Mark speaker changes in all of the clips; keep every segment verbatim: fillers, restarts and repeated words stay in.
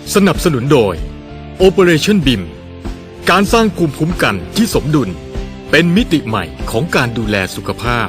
Speaker 1: สนับสนุนโดย Operation บี ไอ เอ็ม การสร้างภูมิคุ้มกันที่สมดุลเป็นมิติใหม่ของการดูแลสุขภาพ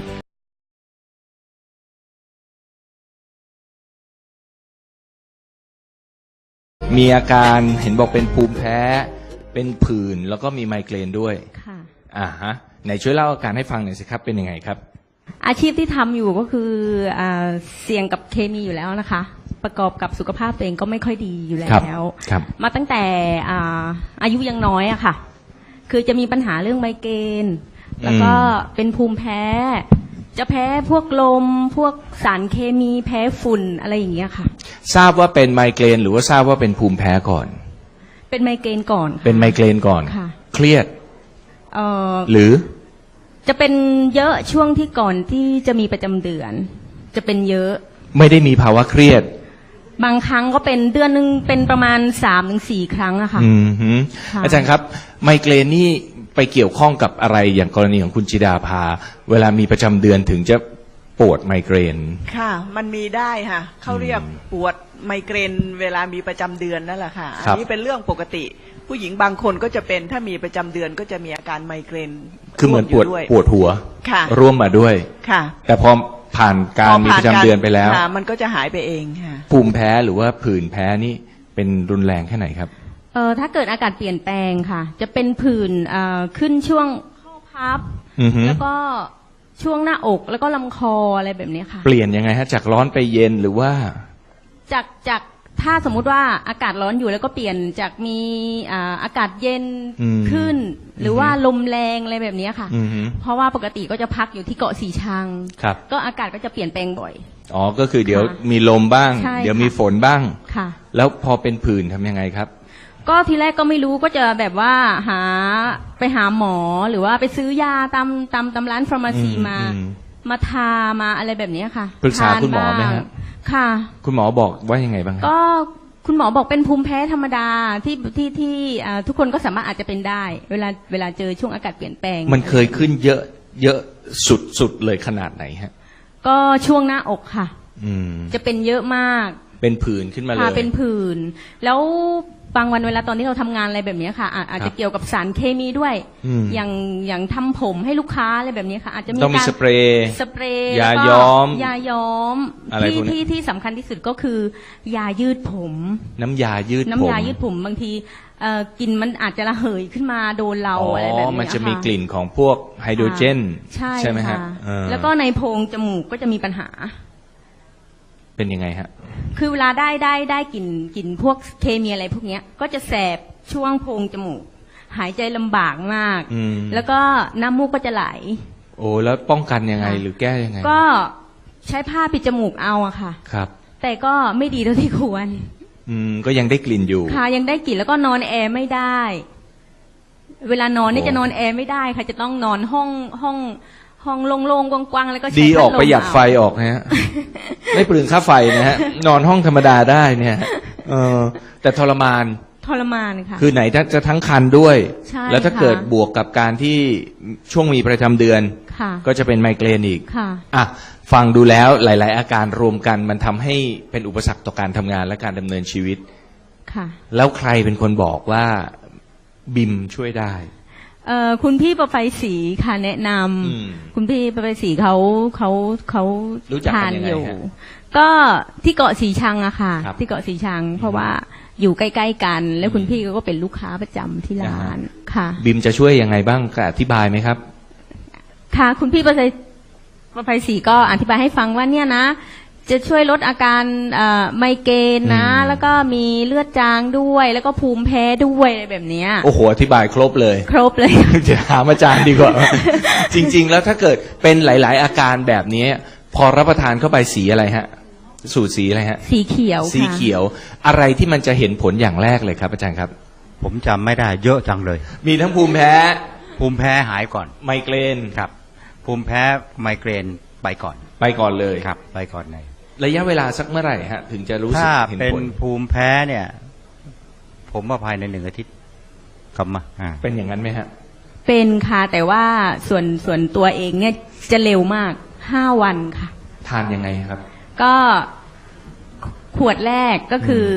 Speaker 2: มีอาการเห็นบอกเป็นภูมิแพ้เป็นผื่นแล้วก็มีไมเกรนด้วย
Speaker 3: ค่ะ
Speaker 2: อ่าฮะไหนช่วยเล่าอาการให้ฟังหน่อยสิครับเป็นยังไงครับ
Speaker 3: อาชีพที่ทำอยู่ก็คืออ่าเสี่ยงกับเคมีอยู่แล้วนะคะประกอบกับสุขภาพตัวเองก็ไม่ค่อยดีอยู่แล้วมาตั้งแต่อ่าอายุยังน้อยอะค่ะคือจะมีปัญหาเรื่องไมเกรนแล้วก็เป็นภูมิแพ้จะแพ้พวกลมพวกสารเคมีแพ้ฝุ่นอะไรอย่างเงี้ยค่ะ
Speaker 2: ทราบว่าเป็นไมเกรนหรือว่าทราบว่าเป็นภูมิแพ้ก่อน
Speaker 3: เป็นไมเกรนก่อน
Speaker 2: เป็นไมเกรนก่อนเครียด
Speaker 3: เอ่อ
Speaker 2: หรือ
Speaker 3: จะเป็นเยอะช่วงที่ก่อนที่จะมีประจำเดือนจะเป็นเยอะ
Speaker 2: ไม่ได้มีภาวะเครียด
Speaker 3: บางครั้งก็เป็นเดือนนึงเป็นประมาณสามถึงสี่ครั้งอะค่ะ
Speaker 2: อืมฮึอาจารย์ครับไมเกรนนี่ไปเกี่ยวข้องกับอะไรอย่างกรณีของคุณจิดาภาเวลามีประจำเดือนถึงจะปวดไมเกรน
Speaker 4: ค่ะมันมีได้ค่ะเขาเรียกปวดไมเกรนเวลามีประจำเดือนนั่นแหละค่ะอันนี้เป็นเรื่องปกติผู้หญิงบางคนก็จะเป็นถ้ามีประจำเดือนก็จะมีอาการไมเกรน
Speaker 2: คือเหมือนปวดปวดหัว
Speaker 4: ค่ะ
Speaker 2: ร่วมมาด้วย
Speaker 4: ค่ะ
Speaker 2: แต่พอผ่านการมีประจำเดือนไปแล้ว
Speaker 4: มันก็จะหายไปเองค่ะ
Speaker 2: ภูมิแพ้หรือว่าผื่นแพ้นี่เป็นรุนแรงแค่ไหนครับ
Speaker 3: เออถ้าเกิดอากาศเปลี่ยนแปลงค่ะจะเป็นผื่นเอ่อขึ้นช่วงข้อพับแล้วก็ช่วงหน้าอกแล้วก็ลำคออะไรแบบนี้ค่ะ
Speaker 2: เปลี่ยนยังไงฮะจากร้อนไปเย็นหรือว่า
Speaker 3: จากจากถ้าสมมุติว่าอากาศร้อนอยู่แล้วก็เปลี่ยนจากมีอ่าอากาศเย็นขึ้นหรือว่าลมแรงอะไรแบบนี้ค่ะเพราะว่าปกติก็จะพักอยู่ที่เกาะสีชังก็อากาศก็จะเปลี่ยนแปลงบ่อย
Speaker 2: อ๋อก็คือเดี๋ยวมีลมบ้างเดี๋ยวมีฝนบ้าง
Speaker 3: ค่ะ
Speaker 2: แล้วพอเป็นผื่นทำยังไงครับ
Speaker 3: ก็ทีแรกก็ไม่รู้ก็จะแบบว่าหาไปหาหมอหรือว่าไปซื้อยาตามตามตามร้านฟาร์มาซีมามาทามาอะไรแบบนี้ค่ะ
Speaker 2: ปรึกษาคุณหมอไหมครับ
Speaker 3: ค่ะ
Speaker 2: คุณหมอบอกว่ายังไงบ้าง
Speaker 3: ก็คุณหมอบอกเป็นภูมิแพ้ธรรมดาที่ที่ที่ทุกคนก็สามารถอาจจะเป็นได้เวลาเวลาเจอช่วงอากาศเปลี่ยนแปลง
Speaker 2: มันเคยขึ้นเยอะเยอะสุดสุดเลยขนาดไหนฮะ
Speaker 3: ก็ช่วงหน้าอกค่ะจะเป็นเยอะมาก
Speaker 2: เป็นผื่นขึ้นมาเลย
Speaker 3: เป็นผื่นแล้วบางวันเวลาตอนที่เราทำงานอะไรแบบนี้ค่ะอาจจะเกี่ยวกับสารเคมีด้วยอย่างอย่างทำผมให้ลูกค้าอะไรแบบนี้ค่ะอาจจะมี
Speaker 2: ต้องมีสเปรย์
Speaker 3: สเปรย์
Speaker 2: ยาย้อม
Speaker 3: ยาย้อมที่ที่ที่สำคัญที่สุดก็คือยายืดผม
Speaker 2: น้ำยายืดผม
Speaker 3: น้ำยายืดผมบางทีกลิ่นมันอาจจะระเหยขึ้นมาโดนเราอะไรแบบนี้ค่ะ
Speaker 2: มันจะมีกลิ่นของพวกไฮโดรเจนใช่ไหมฮะ
Speaker 3: แล้วก็ในโพรงจมูกก็จะมีปัญหา
Speaker 2: เป็นยังไงฮะ
Speaker 3: คือเวลาได้ได้ได้กลิ่นกลิ่นพวกเคมีอะไรพวกนี้ก็จะแสบช่วงโพรงจมูกหายใจลำบากมากแล้วก็น้ำมูกก็จะไหล
Speaker 2: โอ้แล้วป้องกันยังไงหรือแก้ยังไง
Speaker 3: ก็ใช้ผ้าปิดจมูกเอาอะค่ะ
Speaker 2: ครับ
Speaker 3: แต่ก็ไม่ดีเท่าที่ควร
Speaker 2: อืมก็ยังได้กลิ่นอยู่
Speaker 3: ค่ะยังได้กลิ่นแล้วก็นอนแอร์ไม่ได้เวลานอนนี่จะนอนแอร์ไม่ได้ค่ะจะต้องนอนห้องห้องห้องโล่งๆกว้างๆแล้วก็
Speaker 2: ดีออกประหยัดไฟออกนะฮะไม่เปลืองค่าไฟนะฮะนอนห้องธรรมดาได้เนี่ยเออแต่ทรมาน
Speaker 3: ทรมานค่ะ
Speaker 2: คือไหนจะทั้งคันด้วยแล้วถ้าเกิดบวกกับการที่ช่วงมีประจำเดือนก็จะเป็นไมเกรนอีกอ่ะฟังดูแล้วหลายๆอาการรวมกันมันทำให้เป็นอุปสรรคต่อการทำงานและการดำเนินชีวิต
Speaker 3: ค่ะ
Speaker 2: แล้วใครเป็นคนบอกว่าบิมช่วยได้
Speaker 3: เอ่อคุณพี่ประไฟศรีค่ะแนะนำคุณพี่ประไฟศรีเขาเขาเขาทานอยู่ก็ที่เกาะสีชังอะค่ะที่เกาะสีชังเพราะว่าอยู่ใกล้ๆกันแล้วคุณพี่ก็เป็นลูกค้าประจำที่ร้านค่ะ
Speaker 2: บิมจะช่วยยังไงบ้างอธิบายไหมครับ
Speaker 3: ค่ะคุณพี่ประไฟประไฟศรีก็อธิบายให้ฟังว่าเนี่ยนะจะช่วยลดอาการไมเกรนนะแล้วก็มีเลือดจางด้วยแล้วก็ภูมิแพ้ด้วยอะไรแบบนี้
Speaker 2: โอ้โหอธิบายครบเลย
Speaker 3: ครบเลย
Speaker 2: จะถามอาจารย์ดีกว่า จริงๆแล้วถ้าเกิดเป็นหลายๆอาการแบบนี้พอรับประทานเข้าไปสีอะไรฮะสูตรสีอะไรฮะ
Speaker 3: สีเขียว
Speaker 2: สีเขียวอะไรที่มันจะเห็นผลอย่างแรกเลยครับอาจารย์ครับ
Speaker 5: ผมจำไม่ได้เยอะจังเลย
Speaker 2: มีทั้งภูมิแพ้
Speaker 5: ภูมิแพ้หายก่อน
Speaker 2: ไมเกรน
Speaker 5: ครับภูมิแพ้ไมเกรนไปก่อน
Speaker 2: ไปก่อนเลย
Speaker 5: ครับไปก่อนเลย
Speaker 2: ระยะเวลาสักเมื่อไหร่ฮะถึงจะรู้สึกเห็นผลถ้า
Speaker 5: เป็นภูมิแพ้เนี่ยผมว่าภายในหนึ่งอาทิตย์กลับมา
Speaker 2: เป็นอย่างนั้นไหมฮะ
Speaker 3: เป็นค่ะแต่ว่าส่วนส่วนตัวเองเนี่ยจะเร็วมากห้าวันค่ะ
Speaker 2: ทานยังไงครับ
Speaker 3: ก็ขวดแรกก็คือ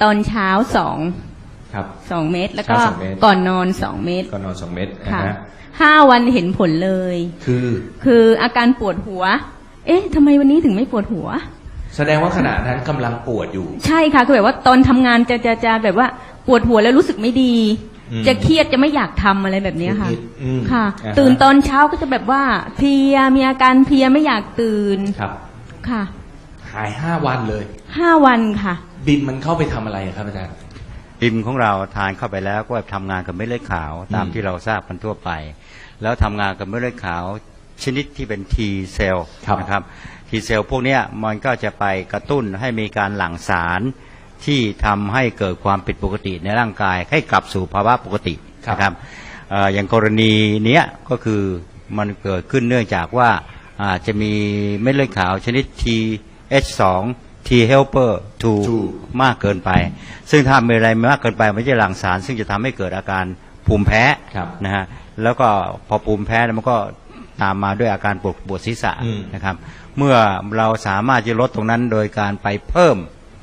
Speaker 3: ตอนเช้าสอง
Speaker 2: ครับ
Speaker 3: สองเม็ดแล้วก็
Speaker 2: เช้าสองเม็ด
Speaker 3: ก่อนนอนสองเม็ด
Speaker 2: ก่อนนอนสองเม็ดนะ
Speaker 3: ค่ะ
Speaker 2: ฮะ
Speaker 3: ห้าวันเห็นผลเลย
Speaker 2: คือ
Speaker 3: คืออาการปวดหัว เอ๊ะทำไมวันนี้ถึงไม่ปวดหัว
Speaker 2: แสดงว่าขณะนั้นกำลังปวดอยู่
Speaker 3: ใช่ค่ะคือแบบว่าตอนทำงานจะจะจะแบบว่าปวดหัวแล้วรู้สึกไม่ดี
Speaker 2: อืม
Speaker 3: จะเครียดจะไม่อยากทำอะไรแบบเนี้ยค่ะ
Speaker 2: นิดๆอืม
Speaker 3: ค่ะ
Speaker 2: อ่าฮะ
Speaker 3: ตื่นตอนเช้าก็จะแบบว่าเพลียมีอาการเพลียไม่อยากตื่น
Speaker 2: ครับ
Speaker 3: ค่ะ
Speaker 2: หายห้าวันเลย
Speaker 3: ห้าวันค่ะ
Speaker 2: บินมันเข้าไปทำอะไรครับอาจารย์
Speaker 5: บิมของเราทานเข้าไปแล้วก็ทำงานกับเม็ดเลือดขาวตาม
Speaker 2: อืม
Speaker 5: ที่เราทราบกันทั่วไป แล้วทำงานกับเม็ดเลือดขาวชนิดที่เป็น T เซลล์
Speaker 2: ครับ
Speaker 5: นะครับ T เซลล์พวกเนี้ยมันก็จะไปกระตุ้นให้มีการหลั่งสารที่ทำให้เกิดความผิดปกติในร่างกายให้กลับสู่ภาวะปกตินะครับเอ่ออย่างกรณีเนี้ยก็คือมันเกิดขึ้นเนื่องจากว่าอาจจะมีเม็ดเลือดขาวชนิด ที เอช สอง T helper ทู
Speaker 2: two
Speaker 5: มากเกินไป ซึ่งถ้ามีอะไรมากเกินไปมันจะหลั่งสาร ซึ่งจะทำให้เกิดอาการภูมิแพ้
Speaker 2: ครับ
Speaker 5: นะฮะแล้วก็พอภูมิแพ้แล้วมันก็ตามมาด้วยอาการปวดปวดศีรษะ
Speaker 2: อืม
Speaker 5: นะครับเมื่อเราสามารถจะลดตรงนั้นโดยการไปเพิ่ม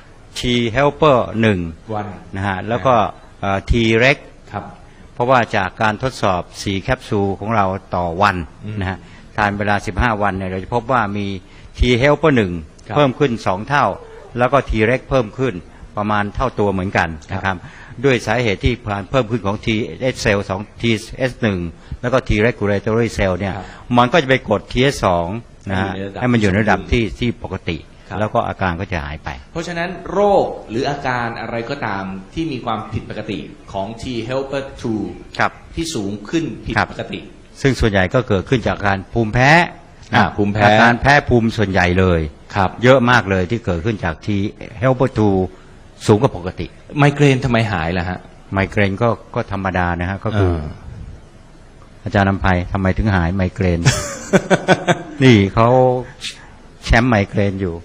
Speaker 5: T helper หนึ่ง
Speaker 2: วัน
Speaker 5: นะฮะแล้วก็เอ่อ T reg
Speaker 2: ครับ
Speaker 5: เพราะว่าจากการทดสอบสี่แคปซูลของเราต่อวัน
Speaker 2: อืม
Speaker 5: นะฮะทานเวลาสิบห้าวันเนี่ยเราจะพบว่ามี T helper หนึ่ง
Speaker 2: ครับ
Speaker 5: เพิ่มขึ้นสองเท่า แล้วก็ T reg เพิ่มขึ้นประมาณเท่าตัวเหมือนกัน
Speaker 2: ครับ
Speaker 5: นะครับด้วยสาเหตุที่การเพิ่มขึ้นของ T H cell สอง T H หนึ่งแล้วก็ T regulatory cell เนี่ย
Speaker 2: ครับ
Speaker 5: มันก็จะไปกด T H สองนะฮะ
Speaker 2: ให้
Speaker 5: ให้
Speaker 2: มั
Speaker 5: มัน น
Speaker 2: อ
Speaker 5: อยู่ ยู่
Speaker 2: ใน
Speaker 5: ใน
Speaker 2: ระ
Speaker 5: ระ
Speaker 2: ดั
Speaker 5: ดั
Speaker 2: บบ
Speaker 5: ที่ที่ปกติ
Speaker 2: ครับ
Speaker 5: แล้วก็อาการก็จะหายไป
Speaker 2: เพราะฉะนั้นโรคหรืออาการอะไรก็ตามที่มีความผิดปกติของ T helper ทู
Speaker 5: ครับ
Speaker 2: ที่สูงขึ้นผิด
Speaker 5: ครับ
Speaker 2: ปกติ
Speaker 5: ซึ่งส่วนใหญ่ก็เกิดขึ้นจากการภูมิแพ้
Speaker 2: อ่า
Speaker 5: นะ
Speaker 2: ภูมิแพ้
Speaker 5: อาการแพ้ภูมิส่วนใหญ่เลย
Speaker 2: ครับ
Speaker 5: เยอะมากเลยที่เกิดขึ้นจาก T helper ทูสูงกว่าปกติ
Speaker 2: ไมเกรนทำไมหายล่ะฮะ
Speaker 5: ไมเกรนก็ก็ธรรมดานะฮะก็คือ
Speaker 2: เออ
Speaker 5: อาจารย์นำภัยทำไมถึงหายไมเกรน นี่เขาแชมป์ไมเกรนอยู่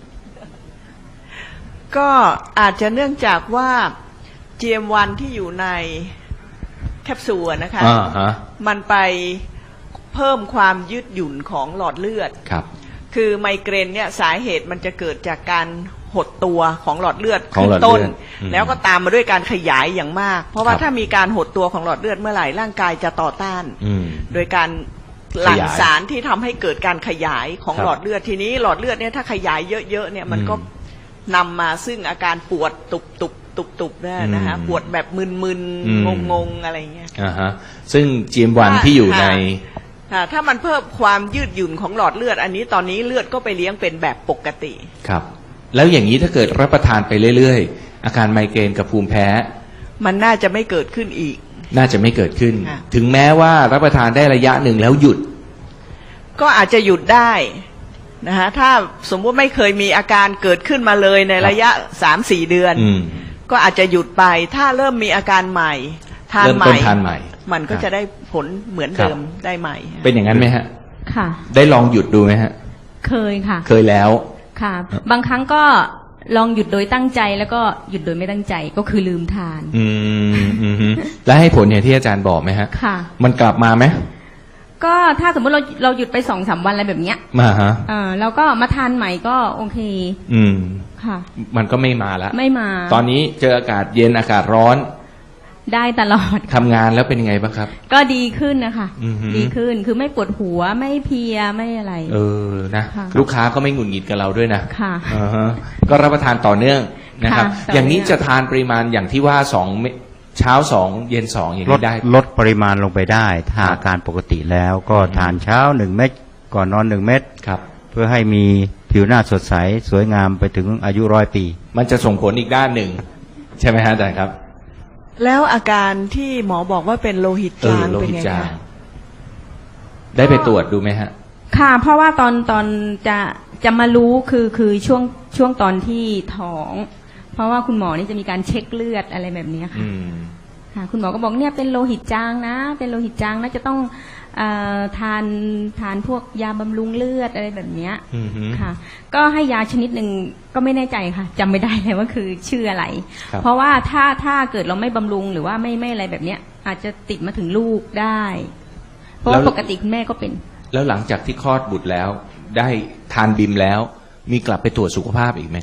Speaker 4: ก็อาจจะเนื่องจากว่า จี เอ็ม วัน ที่อยู่ในแคปซูลอะนะคะ
Speaker 2: อ่าฮะ
Speaker 4: มันไปเพิ่มความยืดหยุ่นของหลอดเลือด
Speaker 2: ครับ
Speaker 4: คือไมเกรนเนี่ยสาเหตุมันจะเกิดจากการหดตัวของหลอดเลือด
Speaker 2: ของ
Speaker 4: ขึ้
Speaker 2: หล
Speaker 4: น
Speaker 2: อดเลื
Speaker 4: ต้
Speaker 2: อน ดอืม
Speaker 4: แล้วก็ตามมาด้วยการขยายอย่างมาก เพราะว่า
Speaker 2: ครับ
Speaker 4: ถ้ามีการหดตัวของหลอดเลือดเมื่อไหร่ร่างกายจะต่อต้าน
Speaker 2: อืม
Speaker 4: โดยการหลั่ง
Speaker 2: ขยาย
Speaker 4: สารที่ทำให้เกิดการขยายของ
Speaker 2: ครับ
Speaker 4: หลอดเลือดทีนี้หลอดเลือดเนี่ยถ้าขยายเยอะๆเนี่ยมันก็
Speaker 2: อืม
Speaker 4: นำมาซึ่งอาการปวดตุบตุบตุบตุบๆเนี่ยนะคะ
Speaker 2: อืม
Speaker 4: ปวดแบบมึน
Speaker 2: อืม
Speaker 4: ๆงงๆอะไรเงี้ย
Speaker 2: อ่าฮะซึ่ง จี เอ็ม วัน ที่อยู่ใน
Speaker 4: ค่ะถ้ามันเพิ่มความยืดหยุ่นของหลอดเลือด อันนี้ตอนนี้เลือดก็ไปเลี้ยงเป็นแบบปกติ
Speaker 2: ครับ แล้วอย่างนี้ถ้าเกิดรับประทานไปเรื่อยๆ อาการไมเกรนกับภูมิแพ้
Speaker 4: มันน่าจะไม่เกิดขึ้นอีก
Speaker 2: น่าจะไม่เกิดขึ้น
Speaker 4: ค่ะ
Speaker 2: ถึงแม้ว่ารับประทานได้ระยะหนึ่งแล้วหยุด
Speaker 4: ก็อาจจะหยุดได้นะฮะถ้าสมมุติไม่เคยมีอาการเกิดขึ้นมาเลยในระยะสามสี่เดือน
Speaker 2: อืม
Speaker 4: ก็อาจจะหยุดไปถ้าเริ่มมีอาการใหม่ทาน
Speaker 2: เริ่ม
Speaker 4: ให
Speaker 2: ต้
Speaker 4: ม่
Speaker 2: นทานใหม่
Speaker 4: มันก็
Speaker 2: ครับ
Speaker 4: จะได้ผลเหมือน
Speaker 2: ครับ
Speaker 4: เดิมได้ใหม่
Speaker 2: เป็นอย่างนั้นไหมฮะ
Speaker 3: ค่ะ
Speaker 2: ได้ลองหยุดดูไหมฮะ
Speaker 3: เคยค่ะ
Speaker 2: เคยแล้ว
Speaker 3: ค่ะ บางครั้งก็ลองหยุดโดยตั้งใจแล้วก็หยุดโดยไม่ตั้งใจก็คือลืมทาน
Speaker 2: อืมอืมฮึแล้วให้ผลอย่างที่อาจารย์บอกไหมฮะ
Speaker 3: ค่ะ
Speaker 2: มันกลับมาไหม
Speaker 3: ก็ถ้าสมมติเราเราหยุดไปสองสามวันอะไรแบบเนี้ย
Speaker 2: มาฮะ
Speaker 3: เออเราก็มาทานใหม่ก็โอเค
Speaker 2: อืม
Speaker 3: ค่ะ
Speaker 2: มันก็ไม่มาละ
Speaker 3: ไม่มา
Speaker 2: ตอนนี้เจออากาศเย็นอากาศร้อน
Speaker 3: ได้ตลอด
Speaker 2: ทำงานแล้วเป็นยังไงบ้างครับ
Speaker 3: ก็ดีขึ้นนะคะ
Speaker 2: อือหือ
Speaker 3: ดีขึ้นคือไม่ปวดหัวไม่เพลียไม่อะไร
Speaker 2: เออนะ
Speaker 3: ค่ะ
Speaker 2: ลูกค้าก็ไม่หงุดหงิดกับเราด้วยนะ
Speaker 3: ค่ะ
Speaker 2: อ่าฮะก็รับประทานต่อเนื่องนะครับ
Speaker 3: ค่ะต่อเนื่อง
Speaker 2: อย่างนี้จะทานปริมาณอย่างที่ว่าสองเม็ดเช้าสองเย็นสองอย่าง
Speaker 5: ลด
Speaker 2: นี้ได้
Speaker 5: ลดปริมาณลงไปได้ถ้า
Speaker 2: ครับ
Speaker 5: อาการปกติแล้วก็
Speaker 2: อืม
Speaker 5: ทานเช้าหนึ่งเม็ดก่อนนอนหนึ่งเม็ด
Speaker 2: ครับ
Speaker 5: เพื่อให้มีผิวหน้าสดใส สวยงามไปถึงอายุร้อยปี
Speaker 2: มันจะส่งผลอีกด้านหนึ่ง ใช่ไหมฮะอาจารย์ครับ
Speaker 4: แล้วอาการที่หมอบอกว่าเป็นโลหิต
Speaker 2: เอ
Speaker 4: จา
Speaker 2: อง โล
Speaker 4: เป็น
Speaker 2: หิต
Speaker 4: ไง
Speaker 2: จาง
Speaker 4: คะ
Speaker 2: ได้ไปตรวจดูไหมฮะ
Speaker 3: ค่ะ เพราะว่าตอนตอนจะจะมารู้คือคือช่วงช่วงตอนที่ท้อง เพราะว่าคุณหมอนี่จะมีการเช็คเลือดอะไรแบบนี้ค่ะ
Speaker 2: อืม
Speaker 3: ค่ะ คุณหมอก็บอกเนี่ยเป็นโลหิตจางนะ เป็นโลหิตจางนะจะต้องเอ่อทานทานพวกยาบำรุงเลือดอะไรแบบเนี้ย
Speaker 2: อืมฮึ
Speaker 3: ค่ะ ก็ให้ยาชนิดหนึ่งก็ไม่แน่ใจค่ะจำไม่ได้เลยว่าคือชื่ออะไร
Speaker 2: ครับ
Speaker 3: เพราะว่าถ้าถ้าเกิดเราไม่บำรุงหรือว่าไม่ไม่อะไรแบบเนี้ย อาจจะติดมาถึงลูกได้ เพราะว่าปกติคุณแม่ก็เป็น
Speaker 2: แล้วหลังจากที่คลอดบุตรแล้ว ได้ทานบิมแล้ว มีกลับไปตรวจสุขภาพอีกไหมครับ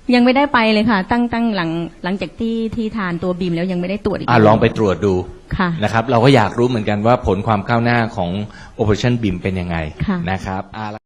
Speaker 3: ยังไม่ได้ไปเลยค่ะ ตั้งตั้งหลังหลังจากที่ที่ทานตัวบีมแล้วยังไม่ได้ตรวจอีก
Speaker 2: อ่ะลองไปตรวจดู
Speaker 3: ค่ะ
Speaker 2: นะครับ เราก็อยากรู้เหมือนกันว่าผลความก้าวหน้าของ Operationบีมเป็นยังไง
Speaker 3: ค่ะ
Speaker 2: นะครับ